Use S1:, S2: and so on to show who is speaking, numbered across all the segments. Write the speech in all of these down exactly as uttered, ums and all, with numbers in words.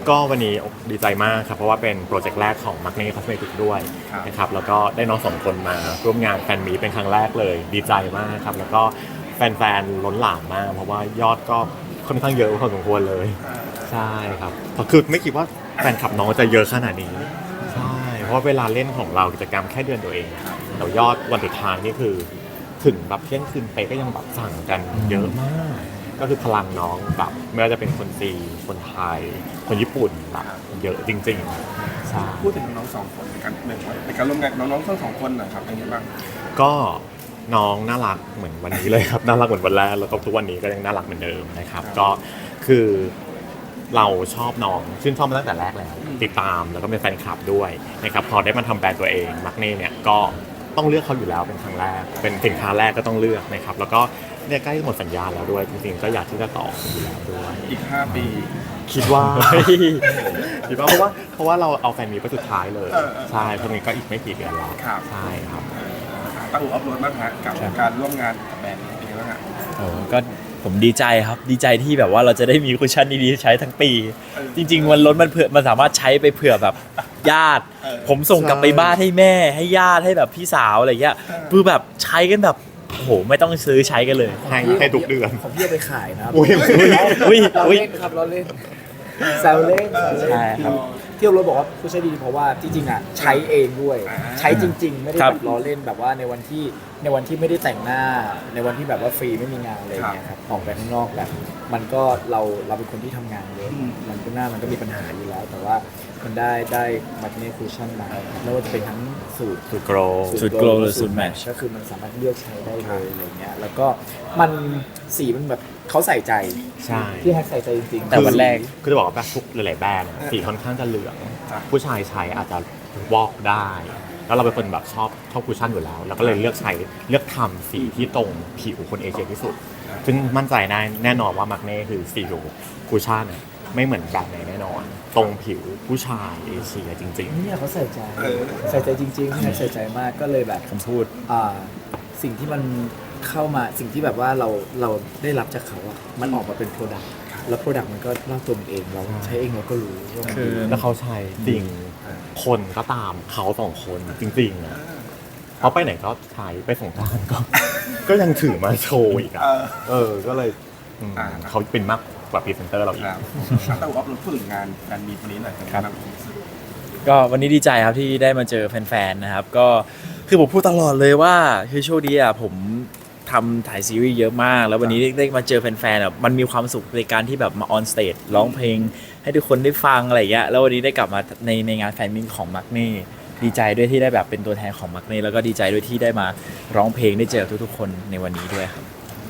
S1: ก็วันนี้ดีใจมากครับเพราะว่าเป็นโปรเจกต์แรกของ Magne Cosmetics ด้วยนะครับแล้วก็ได้น้องสองคนมาร่วมงานแฟนมีตเป็นครั้งแรกเลยดีใจมากครับแล้วก็แฟนๆล้นหลามมากเพราะว่ายอดก็ค่อนข้างเยอะพอสมควรเลยใช่ครับคือไม่คิดว่าแฟนคลับน้องจะเยอะขนาดนี้ใช่เพราะว่าเวลาเล่นของเรากิจกรรมแค่เดือนตัวเองแต่ยอดวันสุดท้ายนี่คือถึงแบบเที่ยงคืนไปก็ยังแบบสั่งกันเยอะมากก็คือพลังน้องแบบไม่ว่าจะเป็นคนจีนคนไทยคนญี่ปุ่นแบบเยอะจริงๆใช่
S2: พูดถึงน้องสองคนในการหนึ่งในการร่วมงานน้องๆทั้งสองคนนะครับเป็นยังไงบ้าง
S1: ก็น้องน่ารักเหมือนวันนี้เลยครับ น่ารักเหมือนวันแรกแล้วก็ทุกวันนี้ก็ยังน่ารักเหมือนเดิมนะครับก็คือเราชอบน้องชื่นชอบมาตั้งแต่แรกแล้วติดตามแล้วก็เป็นแฟนคลับด้วยนะครับพอได้มาทำแบรนด์ตัวเองมักเน่เนี่ยก็ต้องเลือกเขาอยู่แล้วเป็นครั้งแรกเป็นสินค้าแรกก็ต้องเลือกนะครับแล้วก็เนี่ยใกล้หมดสัญญาแล้วด้วยจริงๆก็อยากที่จะต่ออยู่แล้วด้วย
S2: อีกห้าปี
S1: คิดว่า คิดว่าเพราะว่าเพราะว่าเราเอาแฟนมีไปสุดท้ายเลยใช่เพราะงี้ก็อีกไม่กี่เดือนแล้วใช่ครับ
S2: ตั้งอู่อัพโหลดบ้างฮะกับการร่วมงานกับแบรนด์เป็นยังไงบ้างฮะ
S3: โอ้ก็ผมดีใจครับดีใจที่แบบว่าเราจะได้มีคุชชั่นดีๆใช้ทั้งปี จริงๆวันล้นมันเผื่อมันสามารถใช้ไปเผื่อแบบญาติผมส่งกลับไปบ้านให้แม่ให้ญาติให้แบบพี่สาวอะไรเงี้ยคือแบบใช้กันแบบโอ้โหไม่ต้องซื้อใช้กันเลย
S1: ให้ให้ทุกเดือน
S4: ของพี่เอาไปขายนะ
S1: อุ้ย
S3: อุ้ย
S4: เรา
S3: อุ้ย
S4: เล่นครับเราเล่นแซวเล่น
S3: ใช่ครับ
S4: ที่เราบอกว่าผู้ใช้ดีเพราะว่าจริงๆอ่ะใช้เองด้วยใช้จริงๆไม่ได้แบบล้อเล่นแบบว่าในวันที่ในวันที่ไม่ได้แต่งหน้าในวันที่แบบว่าฟรีไม่มีงานอะไรเงี้ยครับออกไปข้างนอกแบบมันก็เราเราเป็นคนที่ทำงานเยอะมันก็หน้ามันก็มีปัญหาอยู่แล้วแต่ว่ามันได้ได้มาเนคูชั่นมาไม่ว่าจะเป็นทั้งสูตร
S1: สูตรโกล
S3: สูตรโกลหรือสูตรแมทช์
S4: ก็คือมันสามารถเลือกใช้ได้เลยอะไรเงี้ยแล้วก็มันสีมันแบบเขาใส่ใจ
S1: ใช่
S4: ที่แฮกใส่ใจจริงๆ
S3: แต่วันแรก
S1: คือจะบอกว่าแบบทุกหลายๆแบรนด์สีค่อนข้างจะเหลืองผู้ชายใช้อาจจะวอกได้แล้วเราเป็นคนแบบชอบชอบคุชชั่นอยู่แล้วเราก็เลยเลือกใช้เลือกทำสีที่ตรงผิวคนเอเชียที่สุดซึ่งมั่นใจได้แน่นอนว่ามักเน่คือสีผิวคุชชั่นไม่เหมือนแบรนด์ไหนแน่นอนตรงผิวผู้ชายเอเชียจริง
S4: ๆเนี่ยเขาใส่ใจใส่ใจจริงๆใส่ใจมากก็เลยแบบ
S3: ผมพูด
S4: อ่าสิ่งที่มันเข้ามาสิ่งที่แบบว่าเราเราได้รับจากเขาอะมันออกมาเป็นโปรดักต์แล้วโปรดักต์มันก็เล่าตัวมันเองเราใช้เองเราก็รู้ว่ามันดี
S1: แล้วเขาใช้จริงคนก็ตามเขาสองคนจริงๆอ่ะเขาไปไหนก็ใช้ไปสงกรานต์ก็ก็ยังถือมาโชว์อีกอ่ะเออก็เลยเขาเป็นมากกว่าพรีเซนเตอร์เราอีก
S2: ตั้งอู่อัพโหลดพูดถึงงานการมีวันนี้หน่อยครับ
S3: ก็วันนี้ดีใจครับที่ได้มาเจอแฟนๆนะครับก็คือผมพูดตลอดเลยว่าคือโชคดีอ่ะผมทำถ่ายซีรีส์เยอะมากแล้ววันนี้ได้มาเจอแฟนๆอ่ะมันมีความสุขในการที่แบบมาออนสเตจร้องเพลงให้ทุกคนได้ฟังอะไรอย่างเงี้ยแล้ววันนี้ได้กลับมาในในงานแฟนมิตของมักเน่ดีใจด้วยที่ได้แบบเป็นตัวแทนของมักเน่แล้วก็ดีใจด้วยที่ได้มาร้องเพลงได้เจอทุกๆคนในวันนี้ด้วยครับ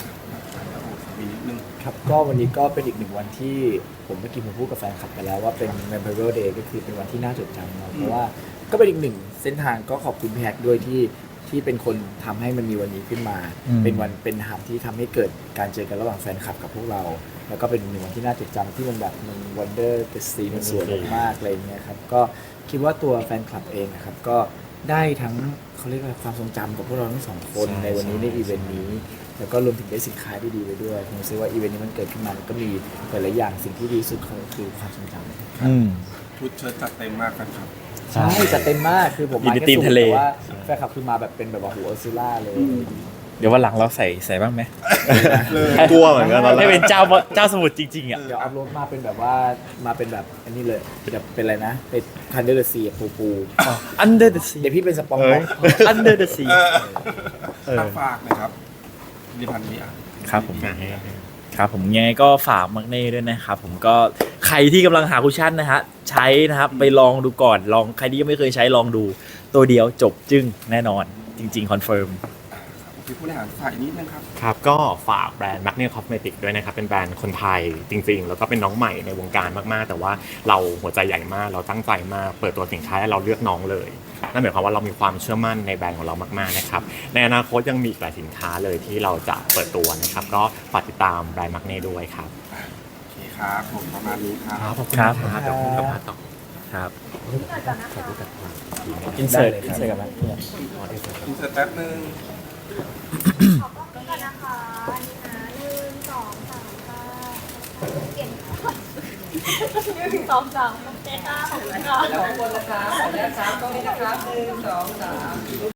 S4: ครับก็วันนี้ก็เป็นอีกหนึ่งวันที่ผมเมื่อกี้ผมพูดกับแฟนคลับไปแล้วว่าเป็น Memorial Day ก็คือเป็นวันที่น่าจดจำเนาะเพราะว่าก็เป็นอีกหนึ่งเส้นทางก็ขอบคุณพี่แฮกด้วยที่ที่เป็นคนทำให้มันมีวันนี้ขึ้นมาเป็นวันเป็นหับที่ทำให้เกิดการเจอกันระหว่างแฟนคลับกับพวกเราแล้วก็เป็นหนึ่งวันที่น่าจดจำที่มันแบบมันวันเดอร์เดอะซีมันสวยมากๆอะไรเงี้ยครับก็คิดว่าตัวแฟนคลับเองนะครับก็ได้ทั้งเขาเรียกว่าความทรงจำกับพวกเราทั้งสองคนในวันนี้ในอีเวนต์นี้แล้วก็รวมถึงได้สินค้าที่ดีไปด้วยผมคิดว่าอีเวนต์นี้มันเกิดขึ้นมาก็มีหลายๆอย่างสิ่งที่ดีสุดคือความทรงจำ
S2: ชุดเชิ้ตจัดเต็มมากครับ
S4: ใช่จัดเต็มมากคือผมมาแค่สูงแต่ว่าแฟนคลับคือมาแบบเป็นแบบว่าหัวออซิล่าเลย
S3: เดี๋ยววันหลังเราใส่ใส่บ้างไหม
S1: กลัวเหมือนกัน
S3: ให้เป็นเจ้าเจ้าสมุทรจริงๆอ่ะ
S4: เดี๋ยวอัพโหลดมาเป็นแบบว่ามาเป็นแบบอันนี้เลยแบบเป็นอะไรนะเป็นคันเดอร์เดอะซีปูปู
S3: Under the Sea
S4: เดี๋ยวพี่เป็นสปอง
S3: ก์ Under the Sea
S2: ฝากนะครับผลิตภัณฑ์นี้
S3: ครับผมครับผมยังไงก็ฝากมักเน่ด้วยนะครับผมก็ใครที่กำลังหาคุชชั่นนะฮะใช้นะครับไปลองดูก่อนลองใครที่ยังไม่เคยใช้ลองดูตัวเดียวจบจึ้งแน่นอนจริงๆคอนเฟิร์ม
S2: ผู้บริหารฝ่ายนี้นะครับ
S1: ครับก็ฝากแบรนด์ Magne Cosmetics ด้วยนะครับเป็นแบรนด์คนไทยจริงๆแล้วก็เป็นน้องใหม่ในวงการมากๆแต่ว่าเราหัวใจใหญ่มากเราตั้งใจมากเปิดตัวสินค้าให้เราเลือกน้องเลยนั่นหมายความว่าเรามีความเชื่อมั่นในแบรนด์ของเรามากๆนะครับในอนาคตยังมีอีกหลายสินค้าเลยที่เราจะเปิดตัวนะครับก็ฝากติดตามแบรนด์ Magne ด้วยครับ
S2: โอเคครับผมประมาณนี้ครับ
S1: ขอบคุณครับเดี๋ยวผมกลับมาต่อ
S3: ครับ
S1: ขอบคุณครับ
S3: อินเสิร์ตอินเสิร์ตกันไหม
S2: อินเสิร์ตแป๊บนึง
S5: ขอบคุณกันนะคะอันนี้นะหนึ่งสองสามค่ะเปลี่ยนก่อนหนึ่งสองสามโอเคค่ะขอบคุณค่ะ
S6: แล้วข้างบนนะครับขออนุญาตครับตรงนี้นะครับหนึ่งสองสาม